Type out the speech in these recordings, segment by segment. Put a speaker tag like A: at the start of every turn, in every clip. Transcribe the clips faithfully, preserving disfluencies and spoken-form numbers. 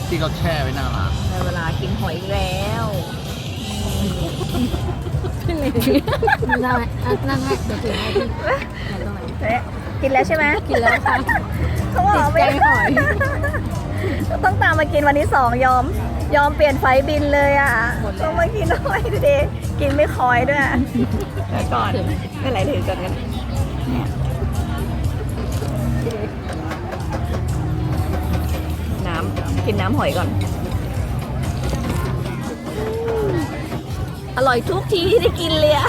A: ที่เขาแช่ไว้หน้าร้าน
B: ในเวลากินหอยอีกแล้ว
C: ได้นั่งให้เดี๋ยวถือให้พี่ไหนตรงไหน
B: เอ๊ะกินแล้วใช่ไหม
C: กินแล้วค่ะ
B: เขาบอก
C: ติด
B: ไม่
C: ใจหอย
B: ต้องตามมากินวันที่สองยอม ยอมเปลี่ยนไฟล์บินเลยอ่ะต้องมากินหอยดูดิกินไม่คอยด้วยเดี๋ยวก่อนไม่ไหลถือก่อนกันเนี่ยน้ำกินน้ำหอยก่อน อร่อยทุกทีที่ได้กินเลยอ่ะ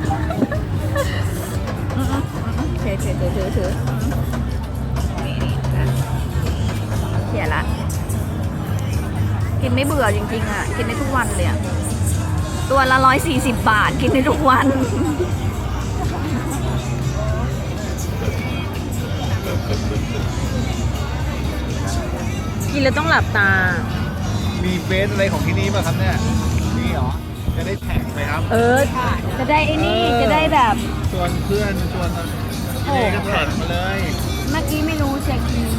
B: ถือถือถือถือถือนี่นี่นะเขียนละ กินไม่เบื่อจริงๆอ่ะ กินได้ทุกวันเลยอ่ะ ตัวละร้อยสี่สิบบาท กินได้ทุกวัน
C: กินแล้วต้องหลับตา
A: มีเฟซอะไรของที่นี่ป่ะครับเนี่ยนี่เหรอจะได้แท็กไปครับ
B: เออ จะได้ไอ้นี่ จะได้แบบ
A: ชวนเพื่อนชวนพี่เนก็แท็กมาเลย
C: เมื่อกี้ไม่รู้เช็คอิน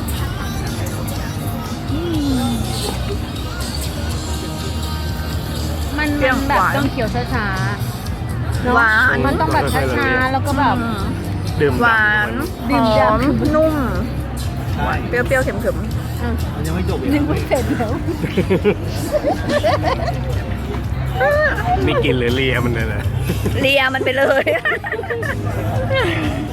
C: มัน
B: เปรี้
C: มั
B: ยวน
C: แบบ
B: หวาน
C: ต้องเคี้ยวช้าๆเนอะ
B: หวาน
C: มันต้องแบบช้าๆแล้วก็แบบ
D: ดื่ม
B: หวาน
C: ดื่ม
B: ห
C: ดำ
B: อมนุ่ม
A: ใช่
B: เปรี้ยวๆเค็ม
A: มันยังไม่จบอีก
C: นึกว่าเผ็ดแล้ว
D: นี่กินหรือเลียมันเลยนะ
B: ๆเลียมันไปเลย